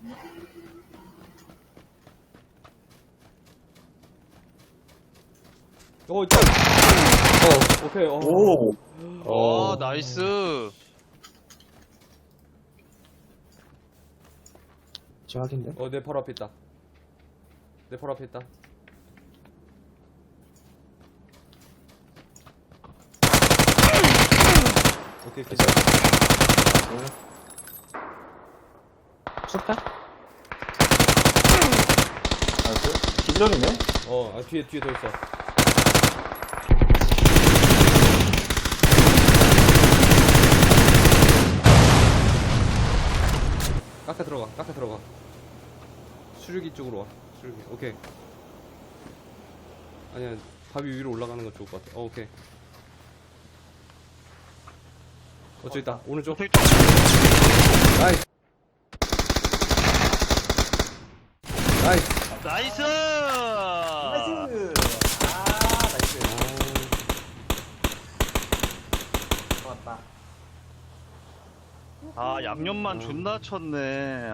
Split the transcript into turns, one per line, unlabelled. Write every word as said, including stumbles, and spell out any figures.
어, 있다. 어, 오케이. 어.
오.
어, 나이스.
제각인데?
어, 내 바로 앞에 있다. 내 바로 앞에 있다. 오케이, 오케이.
쏠까? 나이스. 기절이네?
어, 아, 뒤에, 뒤에 더 있어. 깎아 들어가, 깎아 들어가. 수류기 쪽으로 와. 수류기. 오케이. 아니야, 바위 위로 올라가는 건 좋을 것 같아. 어, 오케이. 어, 저기 있다. 오른쪽.
저기 있다.
나이스. 나이스.
나이스.
나이스! 아, 나이스. 좋았다.
아, 양념만 존나 쳤네.